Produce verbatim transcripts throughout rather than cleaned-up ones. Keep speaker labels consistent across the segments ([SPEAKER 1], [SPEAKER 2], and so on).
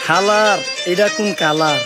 [SPEAKER 1] খালার এটা কোন কালার?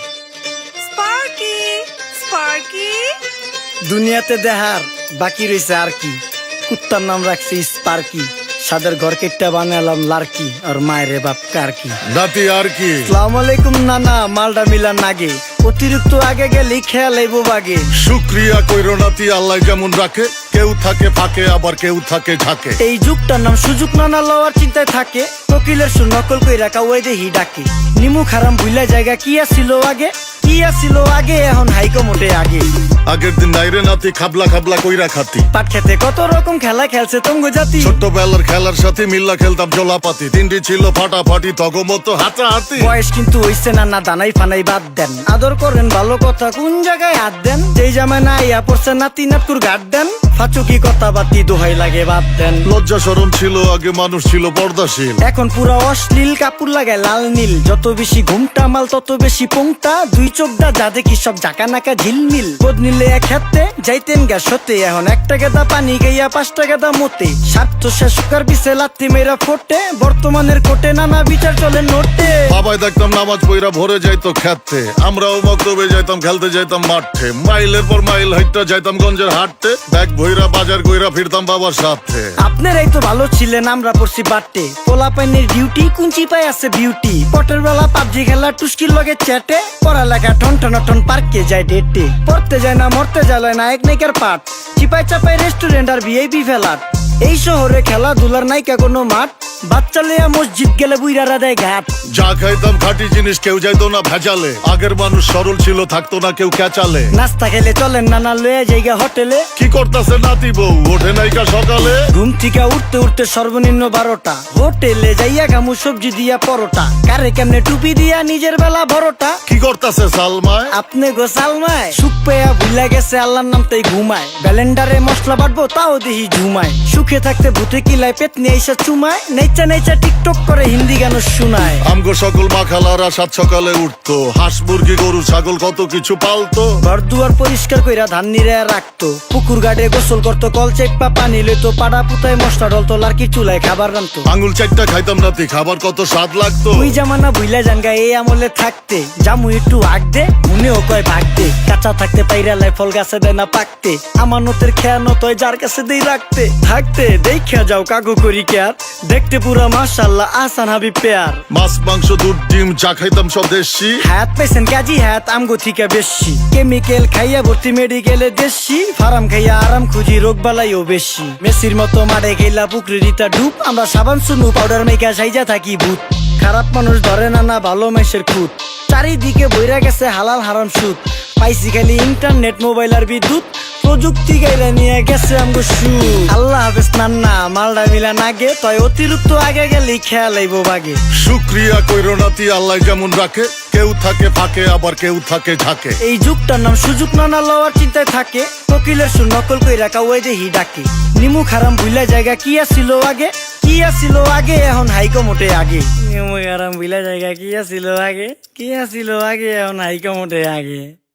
[SPEAKER 2] স্পার্কি স্পার্কি
[SPEAKER 1] দুনিয়াতে দেহার বাকি রয়েছে আর কি। কুত্তার নাম রাখছি স্পার্কি, সাদের ঘর কেটটা বানালাম লার্কি, আর মায়ের বাপ কারকি।
[SPEAKER 3] নাতি আর কি?
[SPEAKER 1] আসসালামু আলাইকুম নানা, মালডা মিলান নাগে, অতিরিক্ত আগে গেলে খেয়াল আইব বাগে।
[SPEAKER 3] শুক্রিয়া কইরো নাতি, আল্লাহ যেমন রাখে, কেউ থাকে ফাঁকে আবার কেউ থাকে ঝাঁকে।
[SPEAKER 1] এই যুগটার নাম সুযোগ নানা লওয়ার চিন্তায় থাকে, কোকিলের সুর নকল কই রাখা ওই দেহি ডাকে। নিমু খারাম ভুলা জায়গা কি আসিল আগে, কি আসিল আগে, এখন হাইকো মোটে আগে।
[SPEAKER 3] আগের দিন নাইরে নাতি খাবলা খাবলা কইরা খাতি,
[SPEAKER 1] পাট খেতে কত রকম খেলা খেলছে তঙ্গ জাতি।
[SPEAKER 3] ছোট্টবেলার খেলার সাথে মিল্লা খেলতাম জলাপাতি, তিনটি ছিল ফাটাফাটি তগমতো হাতাহাতি।
[SPEAKER 1] বয়স কিন্তু হইছে না, না দানাই ফানাই বাদ দেন, আদর করেন ভালো কথা কোন জায়গায় হাত দেন। যেই জামায় না ইয়া পড়ছে নাতি নাতকুর গাট দেন, ফাচুকি কথা বাতি দোহাই লাগে বাদ দেন।
[SPEAKER 3] লজ্জা শরম ছিল আগে, মানুষ ছিল পর্দাশীল,
[SPEAKER 1] এখন পুরা অশ্লীল কাপড় লাগায় লাল নীল। যত বেশি ঘুমটা মাল তত বেশি পোংটা, দুই চোখটা যা দেখি সব জাকা নাকা ঝিলমিল। বোধ নিলে এক হাতে যাইতেন গ্যাস হতে, এখন একটা গেদা পানি গাইয়া পাঁচটা গেদা মতে। স্বার্থ শেষকার বিছে লাত্তি মেয়েরা ফোটে, বর্তমানের কোটে নানা বিচার চলে নোটে।
[SPEAKER 3] বাবাই দেখতাম নামাজ পইরা ভরে যাইতো খেতে, আমরাও মক্তবে যাইতাম খেলতে যাইতাম মাঠে। মাইলের পর মাইল হাইটটা যাইতাম গঞ্জের হাটতে, ব্যাগ ভইরা বাজার কইরা ফিরতাম বাবার সাথে।
[SPEAKER 1] আপনারাই তো ভালো ছিলেন, আমরা পড়ছি বাটে। পোলা পাইনের ডিউটি কুঞ্চি পাই আছে বিউটি, পটের বেলা পাবজি খেলা টুস্কির লগে চ্যাটে। পড়ালেখা ঠন ঠন ঠন পার্কে যায় ডেটে, পড়তে যায় না মরতে যায় নায়ক নায়িকার পাট। চিপাই চাপাই রেস্টুরেন্ট আর ভিআইপি ফেলাট, এই শহরে খেলাধুলার নাইকা কোনো মাঠ। বাচ্চা লিয়া মসজিদ গেলে বুইরারা দেয় ঘাট।
[SPEAKER 3] যা খাইতাম খাঁটি জিনিস, কেউ যাইতো না ভেজালে। আগের মানুষ সরল ছিল, থাকতো না কেউ ক্যাচালে।
[SPEAKER 1] নাস্তা খেলে চলেন নানা লয়ে জায়গা হোটেলে।
[SPEAKER 3] কি করতাছে নাতি বউ, ওঠে নাইকা সকালে।
[SPEAKER 1] ঘুম থেকে উঠতে উঠতে সর্বনিম্ন বারোটা, হোটেলে যাইয়া গামু সবজি দিয়া পরোটা। কারে কেমনে টুপি দিয়া নিজের বেলা বড়টা।
[SPEAKER 3] কি করতাছে সালমায়?
[SPEAKER 1] আপনি গোসালমায় সুখ পেয়া ভুলা গেছে আল্লাহর নাম তাই ঘুমায়। ব্যালেন্ডারে মশলা বাটবো তাও দেহি ঝুমায়। সুখে থাকতে ভূতে কিলায় পেট নিয়ে এসে চুমায়। নেচা নেচা টিকটক করে হিন্দি গান শুনায়।
[SPEAKER 3] আমগো সকল মাখালারা সাত সকালে উঠতো, হাঁস মুরগি গরু ছাগল কত কিছু পালতো।
[SPEAKER 1] ঘর দুয়ার পরিষ্কার কইরা ধান নিরে রাখতো, পুকুর গাড়ে গোসল করতো, কল চেপা পানি লইতো। পাড়া পুতায় মশলা ডলতো, লার্কি চুলায় খাবার রান্তো।
[SPEAKER 3] আঙুল চারটা খাইতাম নাতি, খাবার কত স্বাদ লাগতো।
[SPEAKER 1] ওই জামানা ভুইলা জানগা এই আমলে থাকতে, জামু একটু আগ দে মনেও কয় ভাগ দে। কাঁচা থাকতে পাইরালায় ফল গাছে দেয় না পাকতে, আমানতের খেয়ানত হয় যার কাছে দেই রাখতে। থাকতে দেখা যাও কাগু করি কেয়ার, দেখতে পুরা মাশাআল্লাহ আহসান হাবিব পেয়ার।
[SPEAKER 3] মাছ মাংস দুধ ডিম চা খাইতাম সব দেশি,
[SPEAKER 1] হাত পাইছেন কাজী হাত আমগো থিকা বেশি। কেমিক্যাল খাইয়া ভর্তি মেডিকেলে দেশি, ফার্ম খাইয়া আরাম খুঁজি রোগ বালাইও বেশি। মেসির মতো মারে গেলা পুকুরে রিতা ডুব, আমরা সাবান সুনু পাউডার মেকা সাইজা থাকি ভূত। খারাপ মানুষ ধরে না না ভালো মেসের খুঁত, চারিদিকে বইরা গেছে হালাল হারাম সুদ। পাইছি খালি ইন্টারনেট মোবাইল আর বিদ্যুৎ, প্রযুক্তি গাইলা নিয়ে গেছে আমগো সু। আল্লাহ হাফেজ নান্না, মালডা মিলা নাগে, তয় অতিরিক্ত আগে গেলে খেয়াল আইব বাগে।
[SPEAKER 3] শুক্রিয়া কইরো নাতি, আল্লাহ যেমন রাখে, কেউ থাকে ফাঁকে আবার কেউ থাকে ঝাঁকে।
[SPEAKER 1] এই যুগটার নাম সুযোগ নানা লওয়ার চিন্তায় থাকে, কোকিলের সুর নকল কই রাখা ওই দেহি ডাকে। নিমু খারাম ভুলা জায়গা কি আসিল আগে, কি আসিল আগে, এখন হাইকো মোটে আগে। নিমু খারাম ভুলা জায়গা কি আসিল আগে, কি আসিল আগে, এখন হাইকো মোটে আগে।